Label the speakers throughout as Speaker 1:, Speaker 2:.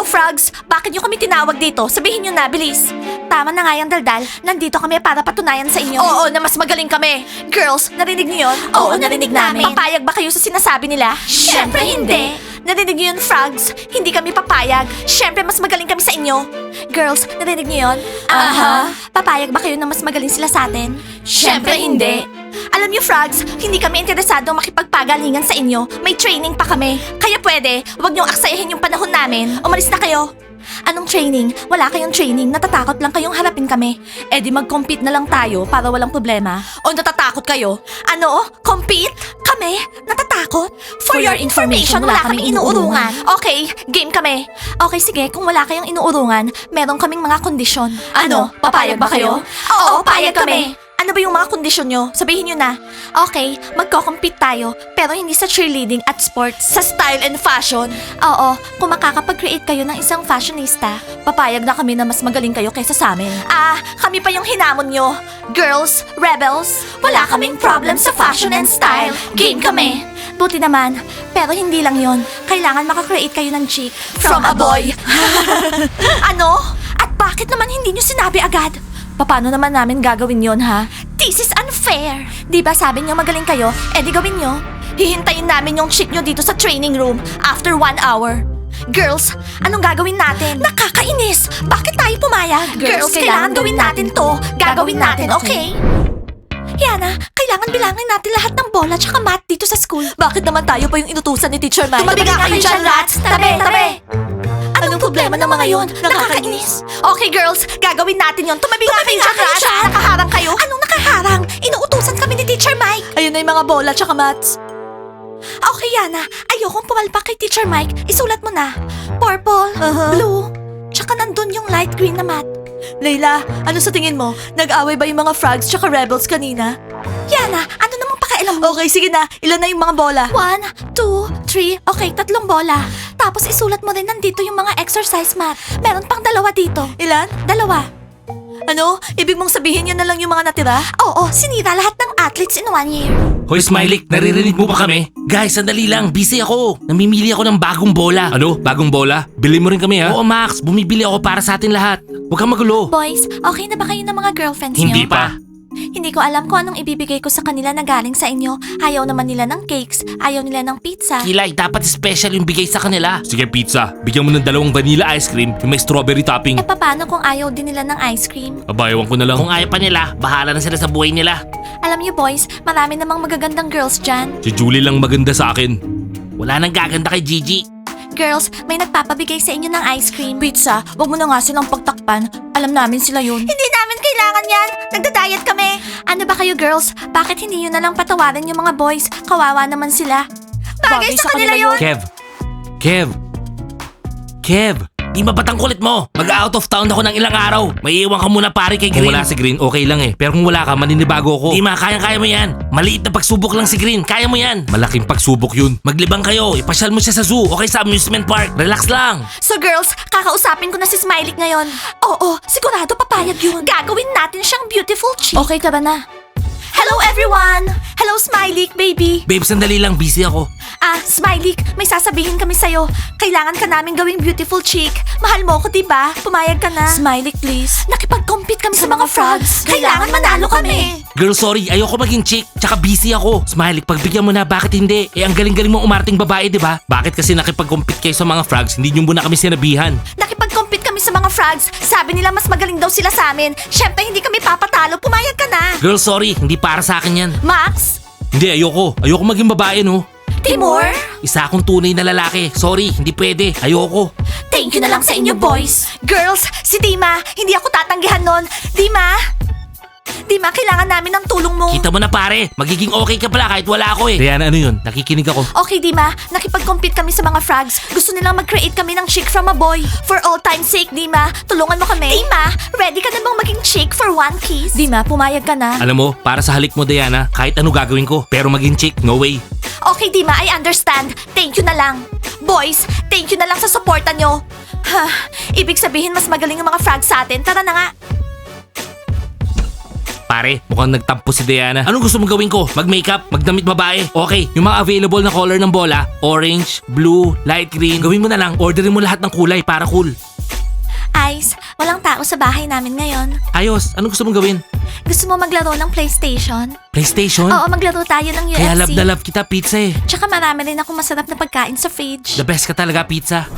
Speaker 1: Frogs, bakit nyo kami tinawag dito? Sabihin nyo na, bilis. Tama na nga yung daldal. Nandito kami para patunayan sa inyo. Oo, na mas magaling kami. Girls, narinig niyo yun? Oo, narinig namin. Papayag ba kayo sa sinasabi nila? Syempre hindi. Narinig niyo yun, Frogs? Hindi kami papayag. Syempre, mas magaling kami sa inyo. Girls, narinig niyo yun? Aha. Papayag ba kayo na mas magaling sila sa atin? Syempre hindi. Alam niyo, Frogs, hindi kami interesado makipagpagalingan sa inyo. May training pa kami. Kaya pwede, huwag niyong aksayahin yung panahon namin. Umalis na kayo. Anong training? Wala kayong training. Natatakot lang kayong harapin kami. Eh di mag-compete na lang tayo para walang problema. O natatakot kayo? Ano? Compete? Kami? Natatakot? For your information, wala kaming inuurungan. Okay, game kami. Okay, sige. Kung wala kayong inuurungan, meron kaming mga kondisyon. Ano? Papayag ba kayo? Oo, payag kami. Ano ba yung mga kondisyon nyo? Sabihin nyo na. Okay, magko-compete tayo, pero hindi sa cheerleading at sports. Sa style and fashion. Oo, kung makakapag-create kayo ng isang fashionista, papayag na kami na mas magaling kayo kaysa sa amin. Kami pa yung hinamon nyo. Girls, rebels, wala kaming problem sa fashion and style. Game kami. Buti naman, pero hindi lang yon. Kailangan makakreate kayo ng chick from a boy. Ano? At bakit naman hindi nyo sinabi agad? Paano naman namin gagawin yon, ha? This is unfair! Di ba sabi niyo magaling kayo? Eh di gawin nyo. Hihintayin namin yung chick nyo dito sa training room after 1 hour. Girls, anong gagawin natin? Nakakainis! Bakit tayo pumayag? Girls, kailangan gawin natin to. Gagawin natin, okay? Yana, kailangan bilangin natin lahat ng bola tsaka mat dito sa school. Bakit naman tayo pa yung inutusan ni Teacher Mike? Tumabi nga kayo dyan, rats! Tabi! Anong problema ng mga yon? Nakakainis. Okay, girls, gagawin natin yon. Tumabi nga kayo dyan, rats! Nakaharang kayo? Anong nakaharang? Inuutusan kami ni Teacher Mike. Ayun na yung mga bola tsaka mats. Okay, Yana, ayokong pumalpak kay Teacher Mike. Isulat mo na. Purple, blue, tsaka nandun yung light green na mat. Layla, ano sa tingin mo? Nag-away ba yung mga frogs tsaka rebels kanina? Yana, ano namang pakialam mo? Okay, sige na. Ilan na yung mga bola? 1, 2, 3. Okay, 3 bola. Tapos isulat mo rin nandito yung mga exercise mat. Meron pang 2 dito. Ilan? 2. Ano? Ibig mong sabihin yun na lang yung mga natira? Oo, sinira lahat ng athletes in 1 year.
Speaker 2: Hoy Smiley, naririnig mo ba kami? Guys, sandali lang, busy ako. Namimili ako ng bagong bola. Ano? Bagong bola? Bili mo rin kami ha? Oo Max, bumibili ako para sa atin lahat. Huwag kang magulo.
Speaker 1: Boys, okay na ba kayo ng mga girlfriends niyo?
Speaker 2: Hindi pa.
Speaker 1: Hindi ko alam kung anong ibibigay ko sa kanila na galing sa inyo. Ayaw naman nila ng cakes, ayaw nila ng pizza.
Speaker 2: Kilay, dapat special yung bigay sa kanila. Sige pizza, bigyan mo ng 2 vanilla ice cream yung may strawberry topping.
Speaker 1: Eh paano kung ayaw din nila ng ice cream?
Speaker 2: Abayawan ko na lang. Kung ayaw pa nila, bahala na sila sa buhay nila.
Speaker 1: Alam niyo boys, marami namang magagandang girls dyan.
Speaker 2: Si Julie lang maganda sa akin. Wala nang gaganda kay Gigi.
Speaker 1: Girls, may nagpapabigay sa inyo ng ice cream. Pizza, wag mo na nga silang pagtakpan. Alam namin sila yun. Hindi namin kailangan yan. Nagda-diet kami. Ano ba kayo girls? Bakit hindi nyo na lang patawarin yung mga boys? Kawawa naman sila. Bagay sa kanila yun.
Speaker 2: Kev, di ba batang kulit mo? Mag-out of town ako ng ilang araw. May iwan ka muna pare kay Green. Kung wala si Green, okay lang eh. Pero kung wala ka, maninibago ako. Di ma, kaya mo yan. Maliit na pagsubok lang si Green. Kaya mo yan. Malaking pagsubok yun. Maglibang kayo. Ipasyal mo siya sa zoo. Okay, sa amusement park. Relax lang.
Speaker 1: So girls, kakausapin ko na si Smiley ngayon. Oo, sigurado papayag yun. Gagawin natin siyang beautiful chick. Okay, tara na. Hello everyone! Hello Smiley, baby!
Speaker 2: Babe, sandali lang. Busy ako.
Speaker 1: Smiley, may sasabihin kami sa'yo. Kailangan ka namin gawing beautiful chick. Mahal mo ko, diba? Pumayag ka na. Smiley, please. Nakipag-compete kami sa mga frogs. Kailangan manalo kami.
Speaker 2: Girl, sorry. Ayoko maging chick. Tsaka busy ako. Smiley, pagbigyan mo na. Bakit hindi? Eh, ang galing-galing mo umarting babae, diba? Bakit kasi nakipag-compete kayo sa mga frogs? Hindi nyo muna kami sinabihan.
Speaker 1: Nakipag-compete kami sa mga frogs. Sabi nila mas magaling daw sila sa amin. Siyempre, hindi kami papatalo. Pumayag ka na.
Speaker 2: Girl, sorry. Hindi para sa akin yan.
Speaker 1: Max?
Speaker 2: Hindi, ayoko. Ayoko maging babae, no?
Speaker 1: Timur?
Speaker 2: Isa akong tunay na lalaki. Sorry, hindi pwede. Ayoko.
Speaker 1: Thank you na lang sa inyo, boys. Girls, si Dima, hindi ako tatanggihan nun. Dima, kailangan namin ng tulong mo.
Speaker 2: Kita mo na pare, magiging okay ka pala kahit wala ako eh. Diana, ano yun? Nakikinig ako.
Speaker 1: Okay, Dima, nakipag-compete kami sa mga frogs. Gusto nilang mag-create kami ng chick from a boy. For all time's sake, Dima, tulungan mo kami. Dima, ready ka na bang maging chick for 1 kiss? Dima, pumayag ka na.
Speaker 2: Alam mo, para sa halik mo, Diana, kahit ano gagawin ko. Pero maging chick, no way.
Speaker 1: Okay, Dima, I understand. Thank you na lang. Boys, thank you na lang sa suporta nyo. Ibig sabihin mas magaling ang mga frogs sa atin. Tara na nga.
Speaker 2: Pare, mukhang nagtampo si Diana. Anong gusto mong gawin ko? Mag-makeup? Magdamit babae? Okay, yung mga available na color ng bola, orange, blue, light green, gawin mo na lang. Orderin mo lahat ng kulay para cool.
Speaker 1: Ice, walang tao sa bahay namin ngayon.
Speaker 2: Ayos, anong gusto mong gawin?
Speaker 1: Gusto mo maglaro ng PlayStation?
Speaker 2: PlayStation?
Speaker 1: Oo, maglaro tayo ng UFC.
Speaker 2: Kaya love na love kita, pizza eh.
Speaker 1: Tsaka marami rin akong masarap na pagkain sa fridge.
Speaker 2: The best ka talaga, pizza.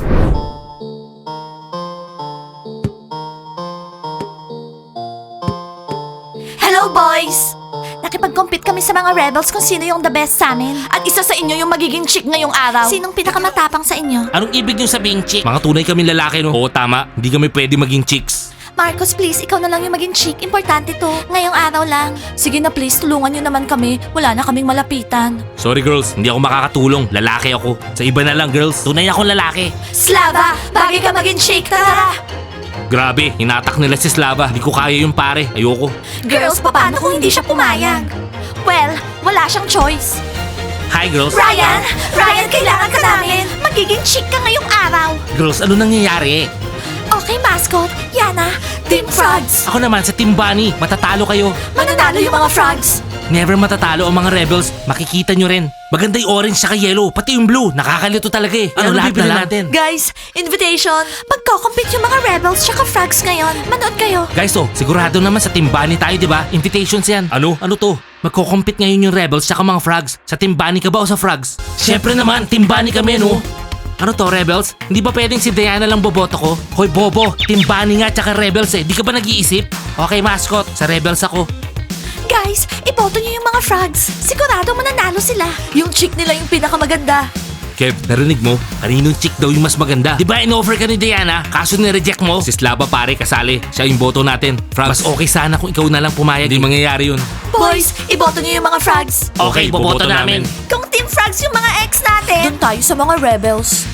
Speaker 1: Hello, boys! Nakipag-compete kami sa mga rebels kung sino yung the best sa amin. At isa sa inyo yung magiging chick ngayong araw. Sinong pinakamatapang sa inyo?
Speaker 2: Anong ibig niyong sabihin, chick? Mga tunay kami lalaki, no? Oo, tama. Hindi kami pwede maging chicks.
Speaker 1: Marcos, please, ikaw na lang yung maging chick. Importante to. Ngayong araw lang. Sige na, please, tulungan nyo naman kami. Wala na kaming malapitan.
Speaker 2: Sorry, girls. Hindi ako makakatulong. Lalaki ako. Sa iba na lang, girls. Tunay akong lalaki.
Speaker 1: Slava, bagay ka maging chick. Tara!
Speaker 2: Grabe, hinatak nila si Slava. Hindi ko kaya yung pare. Ayoko.
Speaker 1: Girls, paano kung hindi siya pumayag? Well, wala siyang choice.
Speaker 2: Hi, girls.
Speaker 1: Ryan, kailangan ka namin. Magiging chick ka ngayong araw.
Speaker 2: Girls, ano nangyayari?
Speaker 1: Okay, mascot. Yana, Team Frogs.
Speaker 2: Ako naman sa Team Bunny. Matatalo kayo.
Speaker 1: Mananalo yung mga frogs.
Speaker 2: Never matatalo ang mga rebels. Makikita nyo rin. Maganda yung orange saka yellow. Pati yung blue. Nakakalito talaga eh. Ano lahat
Speaker 3: bibili
Speaker 2: na natin?
Speaker 1: Guys, invitation. Magko-compete yung mga rebels tsaka frogs ngayon. Manood kayo.
Speaker 2: Guys, sigurado naman sa Team Bunny tayo, di ba? Invitations yan. Ano? Ano to? Magko-compete ngayon yung rebels tsaka mga frogs. Sa Team Bunny ka ba o sa frogs? Siyempre naman, Team Bunny kami, no? Ano to, rebels? Hindi ba pwedeng si Diana lang boboto ko? Hoy, bobo. Team Bunny nga tsaka rebels eh. Di ka ba nag-iisip? Okay, mascot. Sa rebels ako.
Speaker 1: Guys, iboto niyo yung mga frogs. Sigurado mananalo sila. Yung chick nila yung pinakamaganda.
Speaker 2: Kev, narinig mo? Kaninong chick daw yung mas maganda? Di ba in-offer ka ni Diana? Kaso nireject mo? Si Slava pare, kasali. Siya yung boto natin. Frogs, mas okay sana kung ikaw na lang pumayag. Hindi mangyayari yun.
Speaker 1: Boys, iboto niyo yung mga frogs.
Speaker 2: Okay, boboto namin.
Speaker 1: Kung Team Frogs yung mga ex natin, doon tayo sa mga rebels.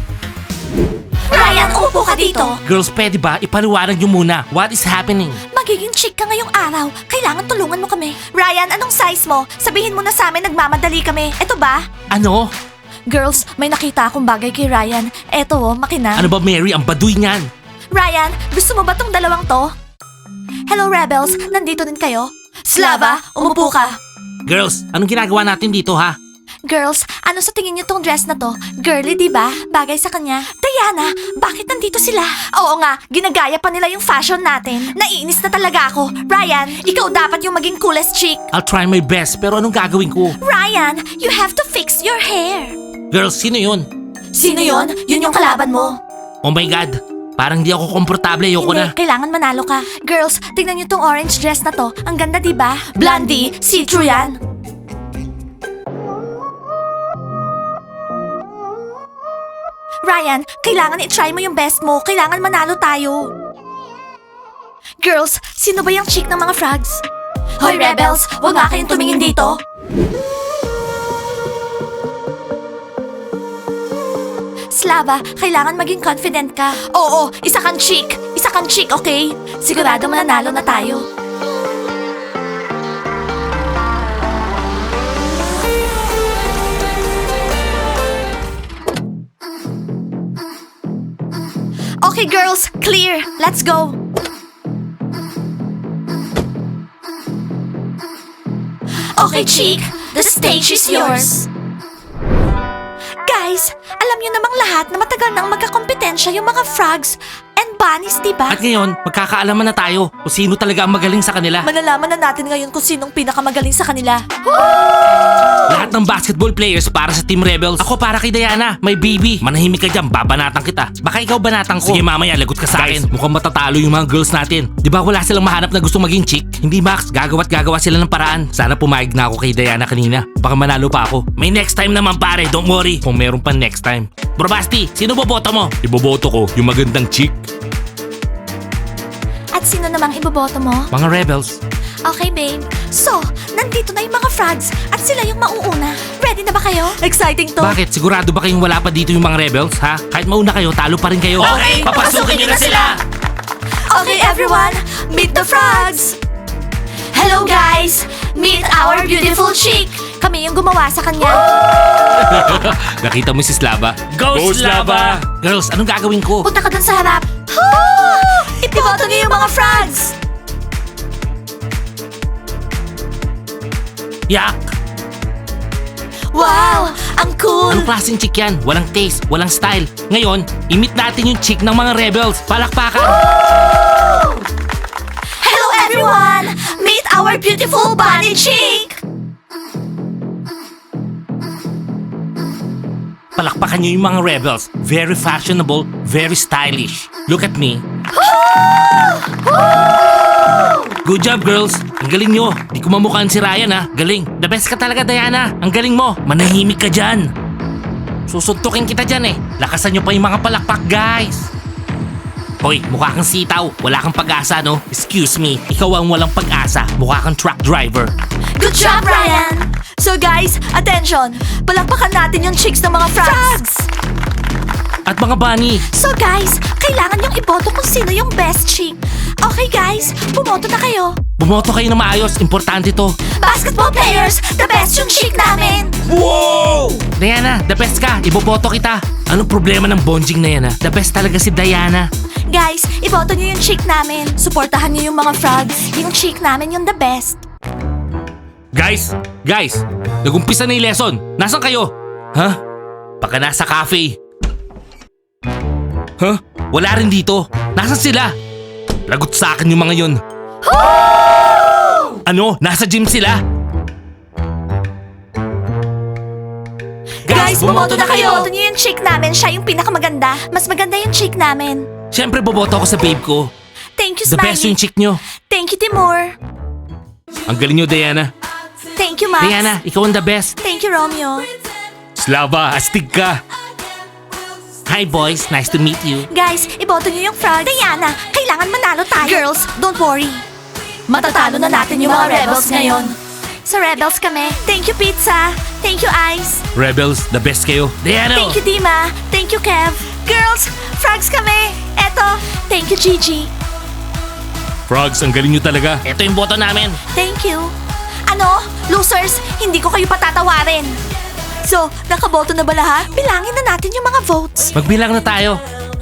Speaker 1: Ryan, upo ka dito.
Speaker 2: Girls, pwede ba? Ipaliwanag nyo muna. What is happening?
Speaker 1: Magiging chick ka ngayong araw. Kailangan tulungan mo kami. Ryan, anong size mo? Sabihin mo na sa amin nagmamadali kami. Eto ba?
Speaker 2: Ano?
Speaker 1: Girls, may nakita akong bagay kay Ryan. Eto makina.
Speaker 2: Ano ba, Mary? Ang baduy niyan.
Speaker 1: Ryan, gusto mo ba tong dalawang to? Hello, rebels. Nandito din kayo? Slava, umupo ka.
Speaker 2: Girls, anong ginagawa natin dito, ha?
Speaker 1: Girls, ano sa tingin niyo tong dress na to? Girly, di ba? Bagay sa kanya. Diana, bakit nandito sila? Oo nga, ginagaya pa nila yung fashion natin. Naiinis na talaga ako. Ryan, ikaw dapat yung maging coolest chick.
Speaker 2: I'll try my best, pero anong gagawin ko?
Speaker 1: Ryan, you have to fix your hair.
Speaker 2: Girls, sino yun?
Speaker 1: Sino yon? Yun yung kalaban mo.
Speaker 2: Oh my God, parang di ako komportable. Ayoko na.
Speaker 1: Kailangan manalo ka. Girls, tingnan niyo tong orange dress na to. Ang ganda, di ba? Blondie, see-through yan. Ryan, kailangan i-try mo yung best mo. Kailangan manalo tayo. Girls, sino ba yung chick ng mga frogs? Hoy, rebels! Huwag nga kayong tumingin dito. Slava, kailangan maging confident ka. Oo, isa kang chick. Isa kang chick, okay? Sigurado mananalo na tayo. Okay, girls, clear. Let's go. Okay, chick. The stage is yours. Guys, alam niyo namang lahat na matagal nang magkakompetensya yung mga frogs and bunnies, di ba?
Speaker 2: At ngayon, magkakaalaman na tayo kung sino talaga ang magaling sa kanila.
Speaker 1: Malalaman na natin ngayon kung sinong pinakamagaling sa kanila.
Speaker 2: Lahat ng basketball players para sa Team Rebels. Ako para kay Diana, may baby. Manahimik ka dyan, babanatan kita. Baka ikaw banatan ko. Sige mamaya, lagot ka sa akin. Mukhang matatalo yung mga girls natin. Di ba wala silang mahanap na gustong maging chick? Hindi Max, gagawa't gagawa sila ng paraan. Sana pumayag na ako kay Diana kanina. Baka manalo pa ako. May next time naman pare, don't worry. Kung meron pa next time. Bro Basti, sino boboto mo? Iboboto ko yung magandang chick.
Speaker 1: At sino namang iboboto mo?
Speaker 2: Mga Rebels.
Speaker 1: Okay, babe. So, nandito na yung mga frogs at sila yung mauuna. Ready na ba kayo? Exciting to.
Speaker 2: Bakit? Sigurado ba kayong wala pa dito yung mga Rebels, ha? Kahit mauna kayo, talo pa rin kayo.
Speaker 1: Okay, papasukin niyo na sila! Okay, everyone, meet the frogs! Hello, guys! Meet our beautiful chick! Kami yung gumawa sa kanya.
Speaker 2: Nakita mo si Slava? Go, Slava! Girls, anong gagawin ko?
Speaker 1: Punta ka dun sa harap. Ipiboto niyo yung mga frogs!
Speaker 2: Yak!
Speaker 1: Wow! Ang cool!
Speaker 2: Anong klaseng chick yan? Walang taste, walang style. Ngayon, imit natin yung chick ng mga rebels. Palakpakan!
Speaker 1: Hello everyone! Meet our beautiful bunny chick!
Speaker 2: Palakpakan nyo yung mga rebels. Very fashionable, very stylish. Look at me. Good job, girls. Ang galing nyo. Di ko mamukhaan si Ryan, ha. Galing. The best ka talaga, Diana. Ang galing mo. Manahimik ka dyan. Susuntukin kita dyan, eh. Lakasan nyo pa yung mga palakpak, guys. Hoy, mukha kang sitaw. Wala kang pag-asa, no? Excuse me. Ikaw ang walang pag-asa. Mukha kang truck driver.
Speaker 1: Good job, Ryan! So guys, attention! Palakpakan natin yung chicks ng mga frogs!
Speaker 2: At mga bunny.
Speaker 1: So guys, kailangan yung iboto kung sino yung best chick. Okay guys, bumoto na kayo.
Speaker 2: Bumoto kayo na maayos. Importante to.
Speaker 1: Basketball players, the best yung chick namin.
Speaker 2: Wow! Diana, the best ka. Iboboto kita. Anong problema ng bonjing na yan, ha? The best talaga si Diana.
Speaker 1: Guys, iboto nyo yung chick namin. Suportahan nyo yung mga frogs. Yung chick namin yung the best.
Speaker 2: Guys, nag-umpisa na yung lesson. Nasaan kayo? Ha? Baka nasa cafe. Huh? Wala rin dito. Nasaan sila? Lagot sa akin yung mga yun. Ano? Nasa gym sila?
Speaker 1: Guys, bumoto na kayo. Iboto nyo yung chick namin. Siya yung pinakamaganda. Mas maganda yung chick namin.
Speaker 2: Siyempre boboto ako sa babe ko.
Speaker 1: Thank you,
Speaker 2: The
Speaker 1: Smiley.
Speaker 2: best yung chick nyo.
Speaker 1: Thank you, Timur.
Speaker 2: Ang galing nyo, Diana.
Speaker 1: Thank you, Max.
Speaker 2: Diana, ikaw ang the best.
Speaker 1: Thank you, Romeo.
Speaker 2: Slava, astig ka. Hi boys, nice to meet you.
Speaker 1: Guys, iboto nyo yung frog. Diana, kailangan manalo tayo. Girls, don't worry. Matatalo na natin yung mga rebels ngayon. Sa rebels kami. Thank you, Pizza. Thank you, Ice.
Speaker 2: Rebels, the best kayo. Diana!
Speaker 1: Thank you, Dima. Thank you, Kev. Girls, frogs kami. Eto, thank you, Gigi.
Speaker 2: Frogs, ang galing nyo talaga. Ito yung boto namin.
Speaker 1: Thank you. Ano? Losers, hindi ko kayo patatawarin. So, nakaboto na ba lahat? Bilangin na natin yung mga votes.
Speaker 2: Magbilang na tayo.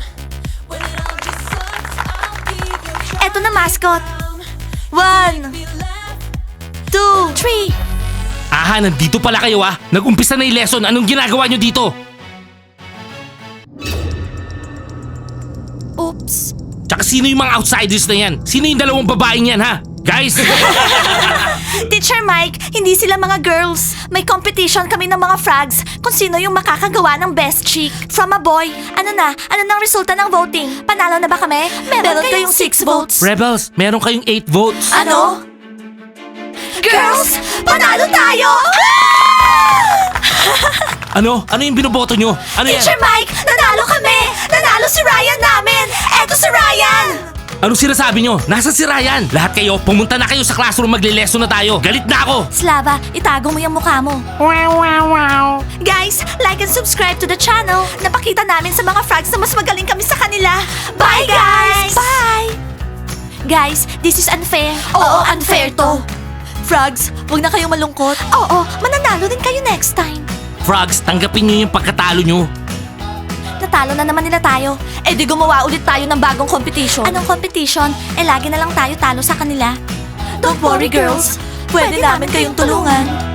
Speaker 1: Eto na, mascot. 1, 2, 3.
Speaker 2: Aha, nandito pala kayo ah. Nag-umpisa na yung lesson. Anong ginagawa nyo dito?
Speaker 1: Oops.
Speaker 2: Tsaka sino yung mga outsiders na yan? Sino yung dalawang babaeng yan ha? Guys!
Speaker 1: Teacher Mike, hindi sila mga girls. May competition kami ng mga frogs kung sino yung makakagawa ng best chick. From a boy. Ano na? Ano nang resulta ng voting? Panalo na ba kami? Meron kayong 6 votes.
Speaker 2: Rebels, meron kayong 8 votes.
Speaker 1: Ano? Girls, panalo tayo!
Speaker 2: Ano? Ano yung binoboto nyo? Ano yan?
Speaker 1: Teacher Mike, nanalo kami! Nanalo si Ryan namin! Eto si Ryan!
Speaker 2: Anong sinasabi nyo? Nasaan si Ryan? Lahat kayo, pumunta na kayo sa classroom, magle-lesson na tayo. Galit na ako!
Speaker 1: Slava, itago mo yung mukha mo. Guys, like and subscribe to the channel. Napakita namin sa mga frogs na mas magaling kami sa kanila. Bye, guys! Bye! Guys, this is unfair. Oo, unfair to. Frogs, huwag na kayong malungkot. Oo, mananalo din kayo next time.
Speaker 2: Frogs, tanggapin nyo yung pagkatalo nyo.
Speaker 1: Natalo na naman nila tayo. Eh di gumawa ulit tayo ng bagong competition. Anong competition? Eh lagi na lang tayo talo sa kanila. Don't worry girls, pwede namin kayong tulungan.